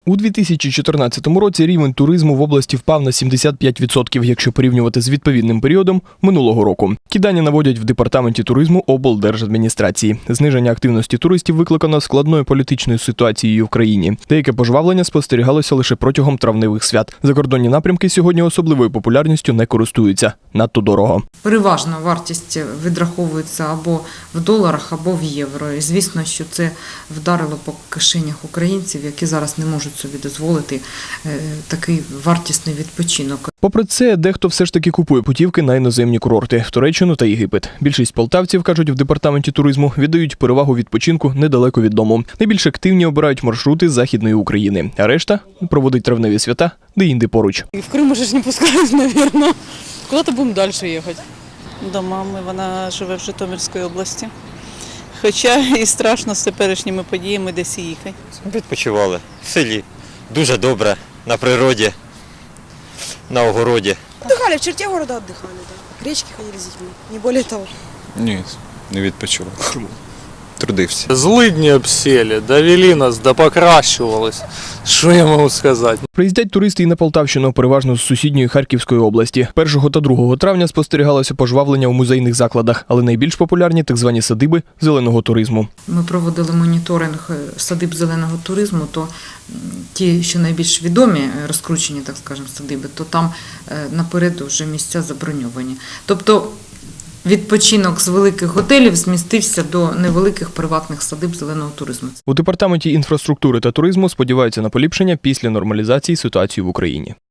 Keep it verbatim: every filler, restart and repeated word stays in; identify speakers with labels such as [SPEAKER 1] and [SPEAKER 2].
[SPEAKER 1] У дві тисячі чотирнадцятому році рівень туризму в області впав на сімдесят п'ять відсотків, якщо порівнювати з відповідним періодом минулого року. Ті дані наводять в департаменті туризму облдержадміністрації. Зниження активності туристів викликано складною політичною ситуацією в країні. Деяке пожвавлення спостерігалося лише протягом травневих свят. Закордонні напрямки сьогодні особливою популярністю не користуються. Надто дорого.
[SPEAKER 2] Переважно вартість відраховується або в доларах, або в євро. І звісно, що це вдарило по кишенях українців, які зараз не можуть собі дозволити такий вартісний відпочинок.
[SPEAKER 1] Попри це, дехто все ж таки купує путівки на іноземні курорти – Туреччину та Єгипет. Більшість полтавців, кажуть в департаменті туризму, віддають перевагу відпочинку недалеко від дому. Найбільш активні обирають маршрути з Західної України, а решта проводить травневі свята де-інде поруч.
[SPEAKER 3] І в Крим уже ж не пускають, мабуть. Куди-то будемо далі їхати.
[SPEAKER 4] До мами, вона живе в Житомирській області. Хоча і страшно з теперішніми подіями десь їхати.
[SPEAKER 5] Відпочивали в селі. Дуже добре, на природі, на огороді.
[SPEAKER 6] Отдыхали, в черте города отдыхали, да. К речке ходили с детьми, не более того.
[SPEAKER 7] Ні, не відпочивав. Чому? Трудився.
[SPEAKER 8] Злидні обсіли, довели нас, да покращувалось. Що я можу сказати?
[SPEAKER 1] Приїздять туристи і на Полтавщину, переважно з сусідньої Харківської області. першого та другого травня спостерігалося пожвавлення у музейних закладах, але найбільш популярні так звані садиби зеленого туризму.
[SPEAKER 2] Ми проводили моніторинг садиб зеленого туризму, то ті, що найбільш відомі, розкручені, так скажемо, садиби, то там наперед вже місця заброньовані. Тобто відпочинок з великих готелів змістився до невеликих приватних садиб зеленого туризму.
[SPEAKER 1] У департаменті інфраструктури та туризму сподіваються на поліпшення після нормалізації ситуації в Україні.